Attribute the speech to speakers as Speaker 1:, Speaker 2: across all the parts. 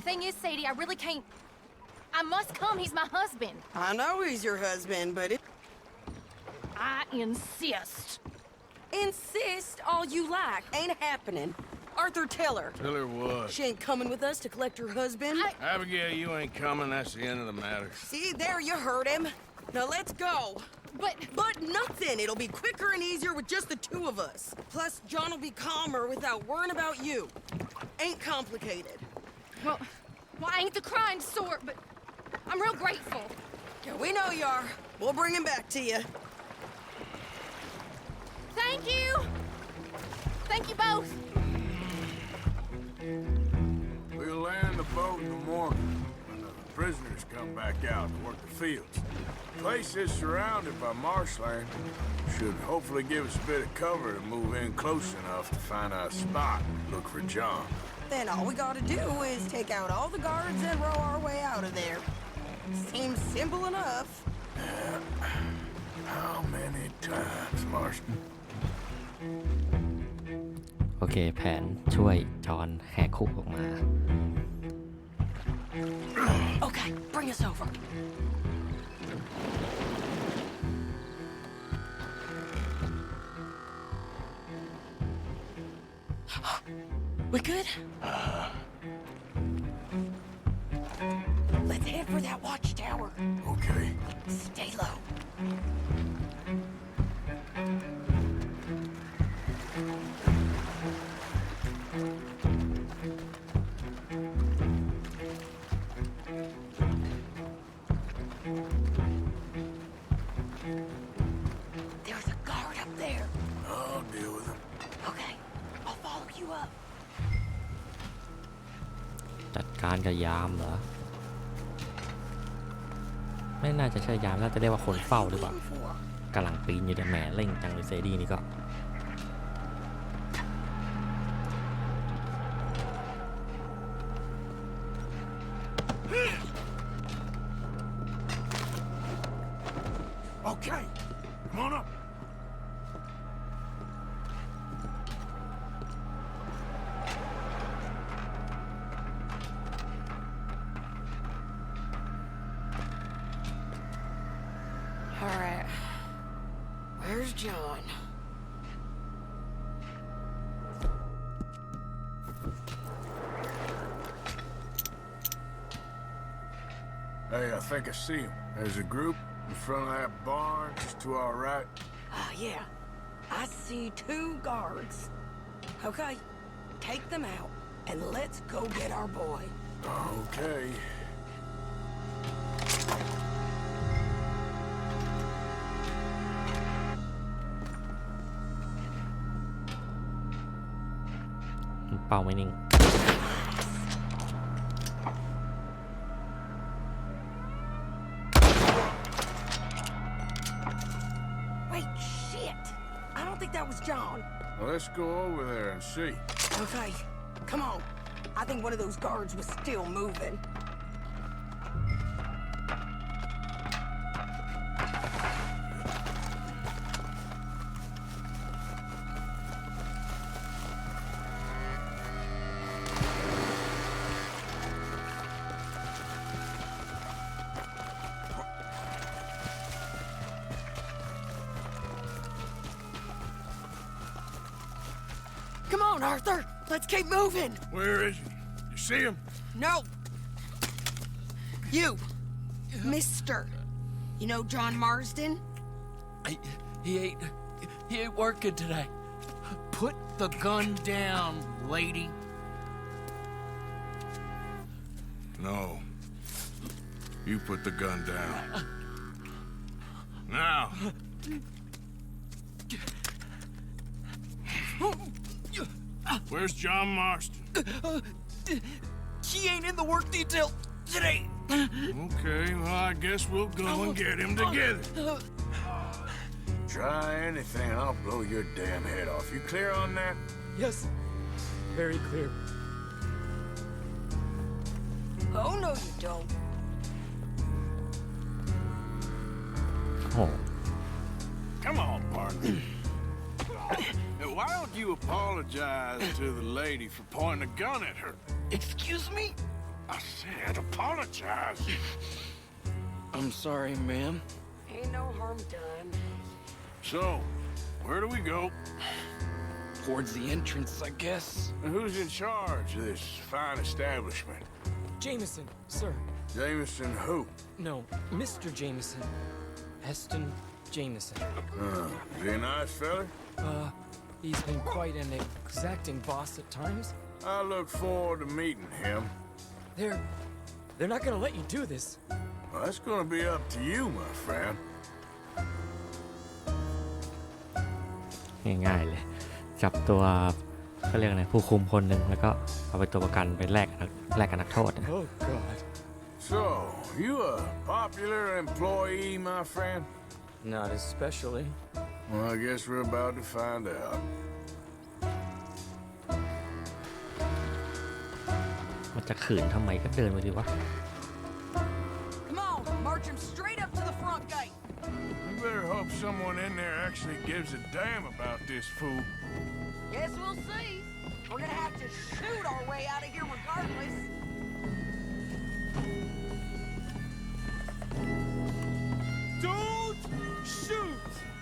Speaker 1: thing is, Sadie, I really can't... I must come. He's my husband.
Speaker 2: I know he's your husband, but
Speaker 1: I insist.
Speaker 2: Insist all you like. Ain't happening. Arthur, tell her.
Speaker 3: Tell her what?
Speaker 2: She ain't coming with us to collect her husband.
Speaker 3: Abigail, you ain't coming. That's the end of the matter.
Speaker 2: See, there you heard him. Now let's go. But nothing. It'll be quicker and easier with just the two of us. Plus, John will be calmer without worrying about you. Ain't complicated.
Speaker 1: Well, I ain't the crying sort, but I'm real grateful.
Speaker 2: Yeah, we know you are. We'll bring him back to you.
Speaker 1: Thank you. Thank you both.
Speaker 4: We'll land the boat in the morning when the prisoners come back out to work the fields. The place is surrounded by marshland. Should hopefully give us a bit of cover to move in close enough to find a spot and look for John.
Speaker 2: Then all we gotta do is take out all the guards and row our way out of there. Seems simple enough.
Speaker 4: How many times, Marston?
Speaker 5: โอเคแผนช่วยจอห์นแหกคุกออกมา
Speaker 2: Okay, bring us over. We good? Let's head for that watchtower.
Speaker 4: Okay.
Speaker 2: Stay low. There's a guard up there.
Speaker 4: I'll deal with him.
Speaker 2: Okay, I'll follow you up.
Speaker 5: จัดการกับยามเหรอไม่น่าจะใช่ยามน่าจะเรียกว่าคนเฝ้าหรือเปล่ากำลังปีนอยู่แต่แหมเร่งจังเลยเซดี้นี่ก็
Speaker 4: Okay, come on up.
Speaker 2: All right. Where's John?
Speaker 4: Hey, I think I see him. There's a group in front of that barn just to our right.
Speaker 2: Yeah. I see two guards. Okay, take them out, and let's go get our boy.
Speaker 4: Okay.
Speaker 5: เป้าไม่นิ่ง
Speaker 2: Wait, shit! I don't think that was John.
Speaker 4: Well, let's go over there and see.
Speaker 2: Okay, come on. I think one of those guards was still moving. Come on, Arthur. Let's keep moving.
Speaker 4: Where is he? You see him?
Speaker 2: No. You. Mister. You know John Marsden?
Speaker 6: He ain't working today. Put the gun down, lady.
Speaker 3: No. You put the gun down. Now. Where's John Marston?
Speaker 6: He ain't in the work detail today.
Speaker 3: Okay, well, I guess we'll go and get him together.
Speaker 4: Try anything and I'll blow your damn head off. You clear on that?
Speaker 6: Yes, very clear.
Speaker 2: Oh, no, you don't.
Speaker 5: โอ้
Speaker 3: Come on, partner. Now, why don't you apologize to the lady for pointing a gun at her?
Speaker 6: Excuse me?
Speaker 3: I said apologize.
Speaker 6: I'm sorry, ma'am.
Speaker 2: Ain't no harm done.
Speaker 3: So, where do we go?
Speaker 6: Towards the entrance, I guess.
Speaker 4: And who's in charge of this fine establishment?
Speaker 6: Jameson, sir.
Speaker 4: Jameson who?
Speaker 6: No, Mr. Jameson. Heston Jameson.
Speaker 4: Is he a nice fella?
Speaker 6: He's been quite an exacting boss at times.
Speaker 4: I look forward to meeting him.
Speaker 6: They're not gonna let you do this.
Speaker 4: Well, that's gonna be up to you, my friend.
Speaker 5: ง่ายๆเลย จับตัวเขาเรียกอะไรผู้คุมคนหนึ่งแล้วก็เอาไปตัวประกันไปแลกกับนักโทษ
Speaker 6: Oh, God.
Speaker 4: So, you a popular employee, my friend?
Speaker 6: Not especially.
Speaker 4: Well, I guess we're about to find out.
Speaker 5: มันจะขืนทำไมก็เดินไปดีวะ
Speaker 2: Come on, march him straight up to the front gate.
Speaker 4: You better hope someone in there actually gives a damn about this fool.
Speaker 2: Guess we'll see. We're gonna have to shoot our way out of here regardless.
Speaker 6: Don't shoot!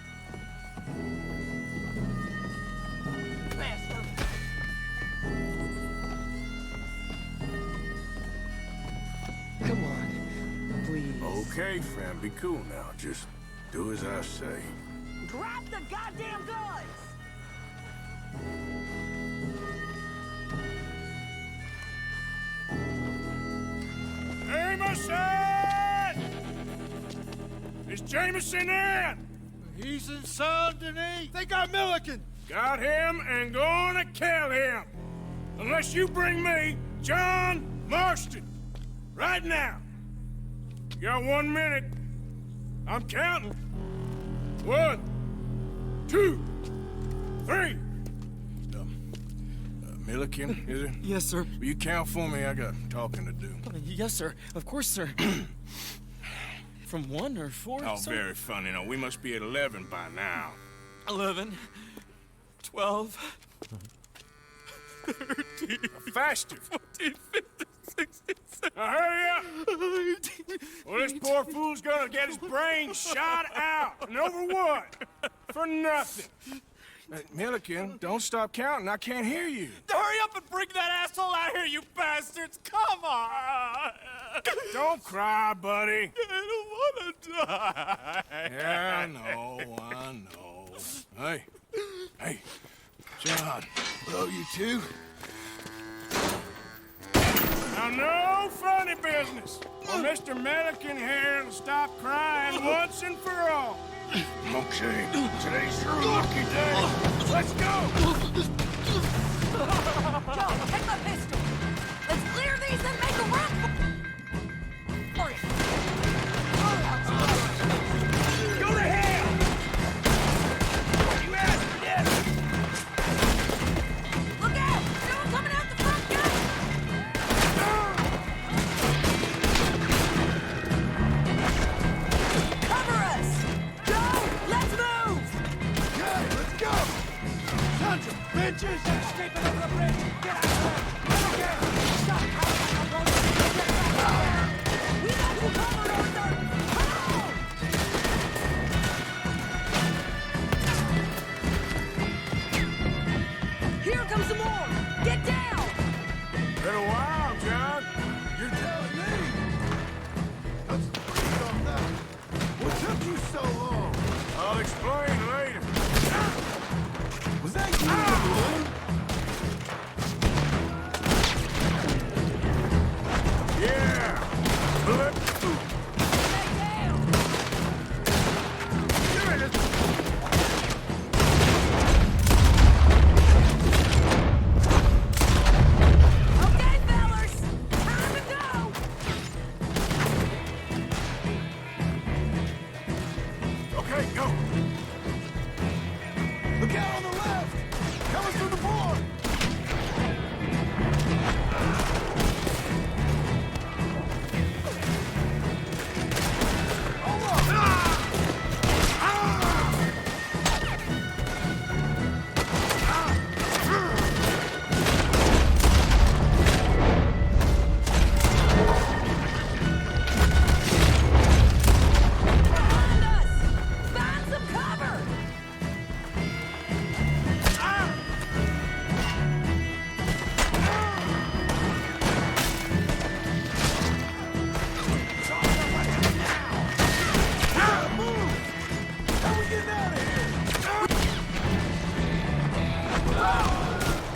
Speaker 2: Bastard.
Speaker 6: Come on, please.
Speaker 4: Okay, friend, be cool now. Just do as I say.
Speaker 2: Drop the goddamn guns!
Speaker 3: Jameson! Is Jameson in?
Speaker 7: He's in Saint Denis. They got Milliken.
Speaker 3: Got him and gonna kill him. Unless you bring me John Marston. Right now. You got 1 minute. I'm counting. 1, 2, 3. Milliken, is it?
Speaker 6: Yes, sir.
Speaker 3: Will you count for me? I got talking to do.
Speaker 6: Yes, sir. Of course, sir. From 1 or 4,
Speaker 3: Oh,
Speaker 6: sir?
Speaker 3: very funny. No, we must be at 11 by now.
Speaker 6: 11, 12, 13,
Speaker 3: Faster.
Speaker 6: 14, 15, 16, 17,
Speaker 3: Now hurry up.
Speaker 6: 18.
Speaker 3: Well, this poor fool's gonna get his brains shot out. And over what? For nothing. Milliken, don't stop counting. I can't hear you.
Speaker 6: Hurry up and bring that asshole out here, you bastards! Come on!
Speaker 3: Don't cry, buddy.
Speaker 6: I don't want to die.
Speaker 3: Yeah, I know. Hey, John. Hello, you two. Now, no funny business. Or Mr. Milliken here will stop crying once and for all. Okay, today's your lucky day. Let's go.
Speaker 2: Joe, take my pistol. Let's clear these and make a run for it.
Speaker 3: Go to hell. You asked for this.
Speaker 2: Look out! Someone coming out the front gate! Cover us! Joe, let's move!
Speaker 7: Okay, let's go. Sons of bitches. Escaping over the bridge. Get out of there. Okay. Stop.
Speaker 2: We got you covered, Arthur! Come on! Here comes some more! Get down!
Speaker 4: Been a while, John.
Speaker 7: You're telling me. Let's breathe on that. What took you so long?
Speaker 4: I'll explain later.
Speaker 7: Was that you in the balloon?
Speaker 4: Yeah. Flip.
Speaker 2: Stay down! Okay, fellas! Time to go!
Speaker 4: Okay, go.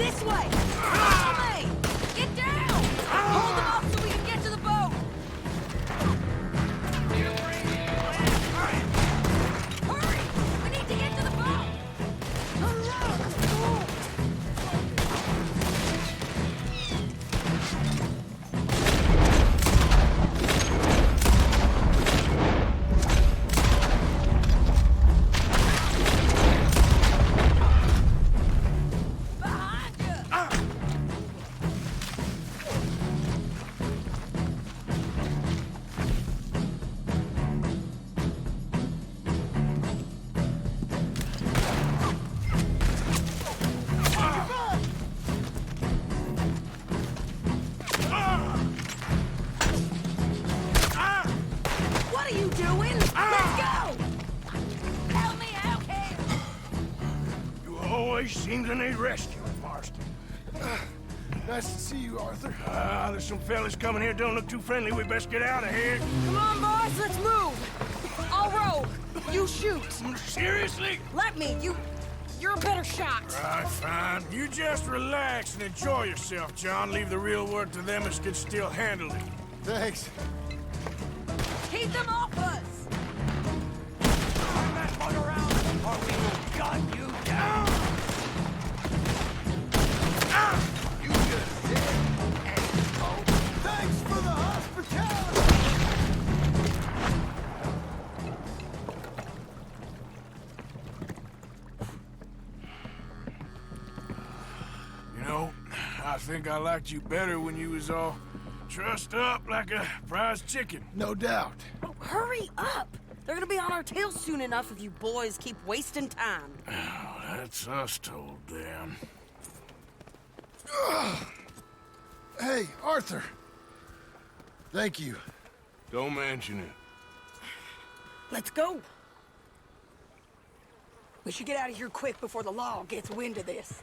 Speaker 2: This way! Follow me!
Speaker 1: Get down! Hold them off so we can get to the boat! Hurry! We need to get to the boat! Behind you! What are you doing? Let's go! Help me out here!
Speaker 3: You always seem to need rescuing, Marston.
Speaker 7: Nice to see you, Arthur.
Speaker 3: There's some fellas coming here. Don't look too friendly. We best get out of here.
Speaker 2: Come on, boys, let's move! I'll row. You shoot.
Speaker 3: Seriously?
Speaker 2: Let me. You're a better shot.
Speaker 3: Right, fine. You just relax and enjoy yourself, John. Leave the real work to them as can still handle it.
Speaker 7: Thanks.
Speaker 1: Keep them off us!
Speaker 7: Turn that bug around, or we will gun you down. You just did. Thanks for the hospitality.
Speaker 3: You know, I think I liked you better when you was all trussed up like a prize chicken.
Speaker 7: No doubt.
Speaker 2: Oh, hurry up! They're gonna be on our tails soon enough if you boys keep wasting time.
Speaker 3: Oh, that's us told them.
Speaker 7: Hey, Arthur. Thank you.
Speaker 3: Don't mention it.
Speaker 2: Let's go. We should get out of here quick before the law gets wind of this.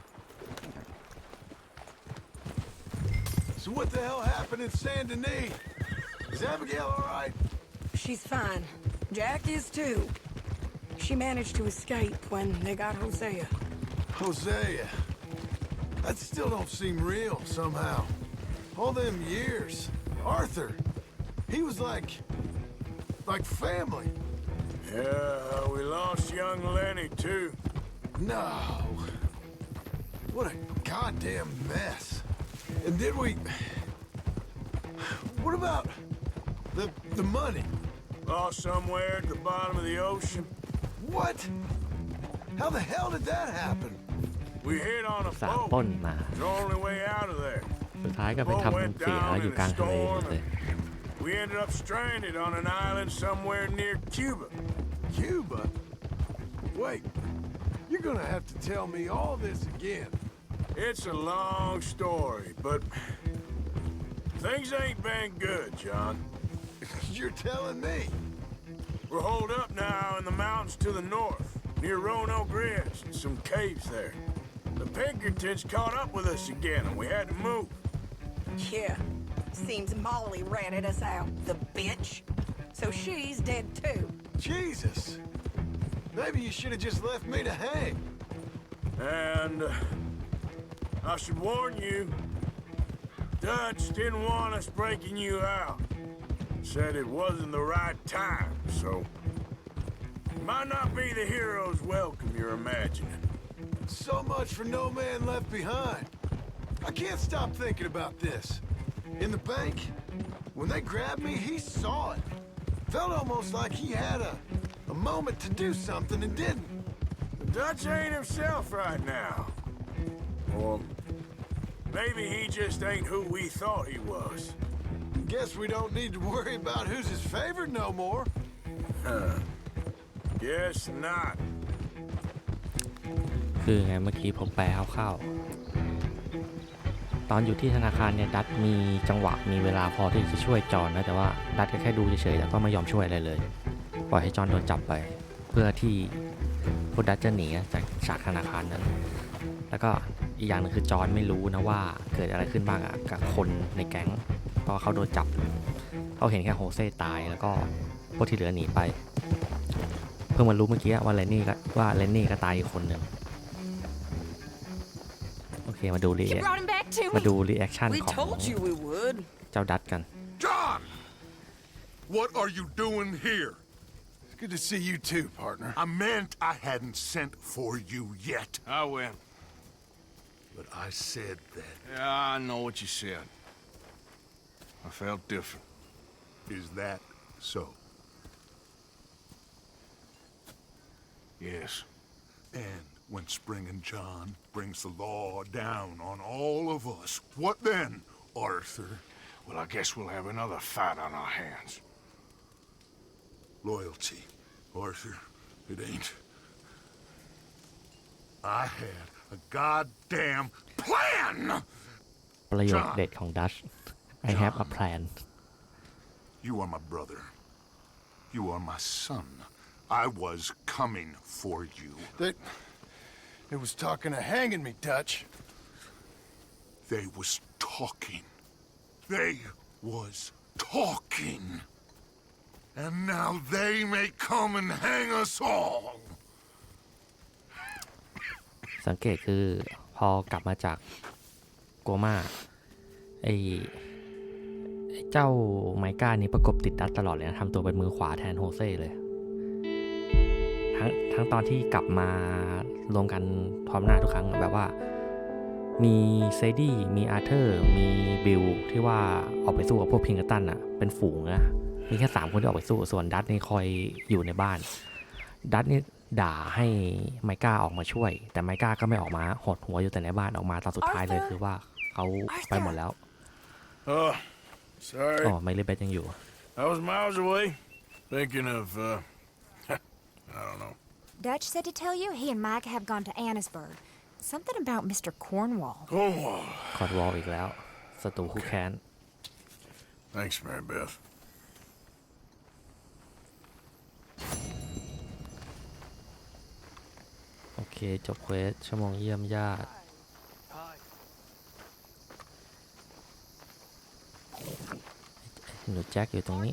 Speaker 7: So what the hell happened in Saint Denis? Is Abigail all right?
Speaker 2: She's fine. Jack is too. She managed to escape when they got Hosea.
Speaker 7: Hosea. That still don't seem real, somehow. All them years. Arthur. He was like family.
Speaker 3: Yeah, we lost young Lenny, too.
Speaker 7: No. What a goddamn mess. And did we... What about the money?
Speaker 3: Lost somewhere at the bottom of the ocean.
Speaker 7: What? How the hell did that happen?
Speaker 3: We hit on a
Speaker 5: สาม
Speaker 3: boat.
Speaker 5: ปล้นมา
Speaker 3: It's the only way out of there.
Speaker 5: สุดท้ายก็ไปทำเสียแล้วอยู่กลางทะเลหมดเลย
Speaker 3: We ended up stranded on an island somewhere near Cuba.
Speaker 7: Cuba? Wait. You're gonna have to tell me all this again.
Speaker 3: It's a long story, but things ain't been good, John.
Speaker 7: You're telling me.
Speaker 3: We're holed up now in the mountains to the north, near Roanoke Ridge, and some caves there. The Pinkertons caught up with us again, and we had to move.
Speaker 2: Yeah. Seems Molly ratted us out, the bitch. So she's dead too.
Speaker 7: Jesus. Maybe you should have just left me to hang.
Speaker 3: And I should warn you, Dutch didn't want us breaking you out. Said it wasn't the right time, so might not be the hero's welcome you're imagining.
Speaker 7: So much for no man left behind. I can't stop thinking about this. In the bank, when they grabbed me, he saw it. Felt almost like he had a moment to do something and didn't.
Speaker 3: Dutch ain't himself right now. Or maybe he just ain't who we thought he was.
Speaker 7: Guess we don't need to worry about who's his favorite no more.
Speaker 3: Guess not.
Speaker 5: คือไงเมื่อกี้ผมแปลคร่าวๆตอนอยู่ที่ธนาคารเนี่ยดัตมีจังหวะมีเวลาพอที่จะช่วยจอนนะแต่ว่าดัตก็แค่ดูเฉยๆแล้วก็ไม่ยอมช่วยอะไรเลยปล่อยให้จอนโดนจับไปเพื่อที่พวกดัตจะหนีจากฉากธนาคารนั้นแล้วก็อีกอย่างนึงคือจอนไม่รู้นะว่าเกิดอะไรขึ้นบ้างกับคนในแก๊งเพราะเขาโดนจับเขาเห็นแค่โฮเซ่ตายแล้วก็พวกที่เหลือหนีไปเพิ่งมารู้เมื่อกี้ว่าเลนนี่ก็ตายอีกคนหนึ่งโอเคมาดูรี
Speaker 1: You brought him back to
Speaker 5: มา
Speaker 1: me.
Speaker 5: ดูรีแอคชั่น
Speaker 2: We
Speaker 5: ของ
Speaker 2: told you we would.
Speaker 5: เจ้าดัตกัน
Speaker 8: John! What are you doing here?
Speaker 7: It's good to see you too, partner.
Speaker 8: I meant I hadn't sent for you yet.
Speaker 4: I win.
Speaker 8: But I said that.
Speaker 4: Yeah, I know what you said. I felt different.
Speaker 8: Is that so?
Speaker 4: Yes.
Speaker 8: And when Spring and John brings the law down on all of us, what then, Arthur?
Speaker 4: Well, I guess we'll have another fight on our hands.
Speaker 8: Loyalty, Arthur, it ain't. I had a goddamn plan!
Speaker 5: ประโยคเด็ดของดัช I have a plan
Speaker 8: You are my brother. You are my son. I was coming for you.
Speaker 7: They was talking of hanging me, Dutch.
Speaker 8: They was talking. They was talking. And now they may come and hang us all.
Speaker 5: สังเกตคือพอกลับมาจากโกม่าไอ้เจ้าไมก้านี่ประกบติดดัตตลอดเลยนะทำตัวเป็นมือขวาแทนโฮเซ่เลยทั้งตอนที่กลับมารวมกันพร้อมหน้าทุกครั้งแบบว่ามีเซดี้มีอาร์เธอร์มีบิลที่ว่าออกไปสู้กับพวกพิงเกอร์ตันอ่ะเป็นฝูงนะมีแค่3คนที่ออกไปสู้ส่วนดัตนี่คอยอยู่ในบ้านดัตนี่ด่าให้ไมก้าออกมาช่วยแต่ไมก้าก็ไม่ออกมาหดหัวอยู่แต่ในบ้านออกมาตอนสุดท้ายเลยคือว่าเขาไปหมดแล้ว
Speaker 3: Oh, sorry.
Speaker 5: อ๋อไมลี่เบสยังอยู่
Speaker 3: I was miles away, thinking of, I don't know.
Speaker 9: Dutch said to tell you he and Mike have gone to Annisburg. Something about Mr. Cornwall.
Speaker 3: Cornwall.
Speaker 5: คอร์ดวอลอีกแล้วศัตรูคู่แค้น
Speaker 3: Thanks, Mary Beth.
Speaker 5: โอเคจบเควสชั่วโมงเยี่ยมญาติหนูแจ็คอยู่ตรงนี้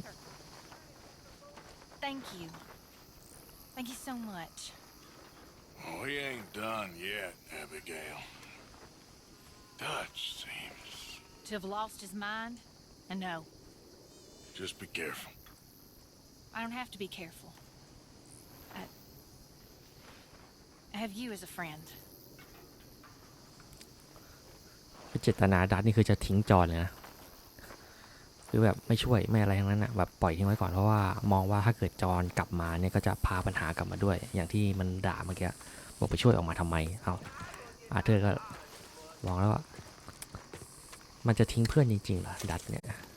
Speaker 1: Thank you. Thank you so much.
Speaker 4: Oh, we ain't done yet, Abigail. Dutch seems...
Speaker 1: To have lost his mind? And no,
Speaker 4: Just be careful.
Speaker 1: I don't have to be careful. I have you as a friend.
Speaker 5: เจตนาดัตนี่คือจะทิ้งจอเลยนะคือแบบไม่ช่วยไม่อะไรทั้งนั้นนะแบบปล่อยทิ้งไว้ก่อนเพราะว่ามองว่าถ้าเกิดจอนกลับมาเนี่ยก็จะพาปัญหากลับมาด้วยอย่างที่มันด่าเมื่อกี้บอกไปช่วยออกมาทำไมเอาอาร์เธอร์ก็มองแล้วว่ามันจะทิ้งเพื่อนจริงๆเหรอดัตเนี่ย